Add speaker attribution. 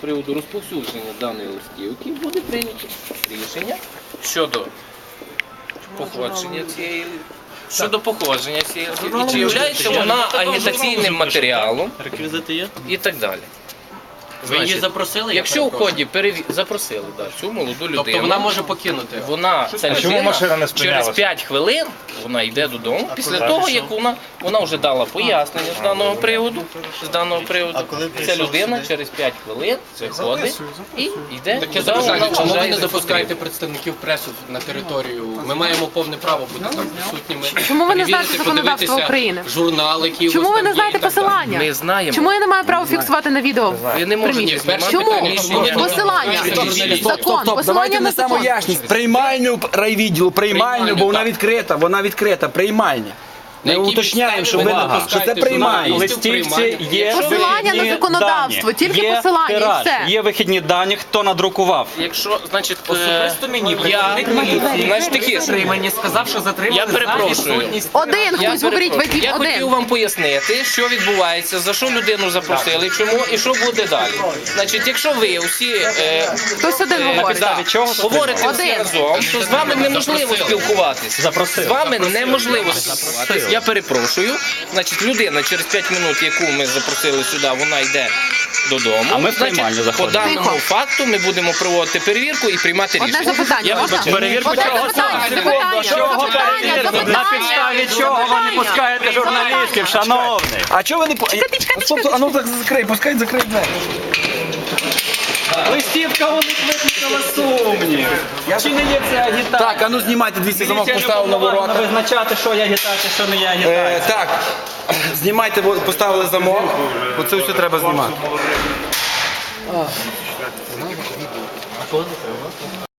Speaker 1: приводу розповсюдження даної листівки буде прийнято рішення щодо походження цієї. Щодо походження цієї листівки, чи являється вона агітаційним матеріалом
Speaker 2: Реквізити є?
Speaker 1: і так далі.
Speaker 2: Ви її запросили?
Speaker 1: Якщо в ході запросили цю молоду людину,
Speaker 2: Тобто вона може покинути?
Speaker 1: Ця людина через 5 хвилин вона йде додому, після того, як вона вже дала пояснення з даного приводу, ця людина через 5 хвилин виходить і йде.
Speaker 2: Таке запитання, чому ви не допускаєте представників преси на територію? Ми маємо повне право бути там присутніми.
Speaker 3: Чому ви не знаєте законодавство України?
Speaker 2: Журнали, які
Speaker 3: Чому ви не знаєте посилання?
Speaker 1: Ми знаємо.
Speaker 3: Чому я не маю права фіксувати на відео?
Speaker 1: Ви не можете знімати.
Speaker 3: Чому? Посилання. Закон. Посилання
Speaker 4: Давайте
Speaker 3: на
Speaker 4: несемо
Speaker 3: закон.
Speaker 4: ясність. Приймальню райвідділу, приймальню, бо вона відкрита, приймальня. Ми уточняємо, що це приймальня.
Speaker 5: Листівці є
Speaker 3: Посилання на законодавство, тільки посилання і все.
Speaker 5: Є вихідні дані, хто надрукував.
Speaker 1: Якщо, значить,
Speaker 2: Особисто мені
Speaker 1: значить таке,
Speaker 2: мені сказав, що затримали
Speaker 1: я перепрошую.
Speaker 3: Один, хтось говорить, випів
Speaker 1: Я хотів
Speaker 3: один.
Speaker 1: вам пояснити, що відбувається, за що людину запросили, чому і що буде далі. Значить, якщо ви усі
Speaker 3: Хтось один говорить.
Speaker 1: говорите всі
Speaker 3: Один.
Speaker 1: разом, то з вами неможливо спілкуватися. З вами неможливо спілкуватися. Я перепрошую. Значить, людина через 5 минут, яку ми запросили сюди, вона йде додому.
Speaker 5: А ми в приймальню
Speaker 1: Значить, по
Speaker 5: заходимо.
Speaker 1: даному факту ми будемо проводити перевірку і приймати
Speaker 3: Одне
Speaker 1: рішення.
Speaker 3: запитання, можна?
Speaker 5: Перевірку
Speaker 3: Одне
Speaker 5: чого
Speaker 3: запитання,
Speaker 5: саме?
Speaker 3: запитання,
Speaker 5: На підставі чого ви не пускаєте журналістів, шановний?
Speaker 4: А чого ви не... Стоп, а ну так закрий, пускай закрий двері.
Speaker 5: Листівка у них викликала сумнів. Чи не є це агітація?
Speaker 4: Так, а ну знімайте, дивіться, замок поставив на ворота.
Speaker 5: Визначати, що є агітація, що не є агітація.
Speaker 4: Так, знімайте, поставили замок, оце все треба знімати.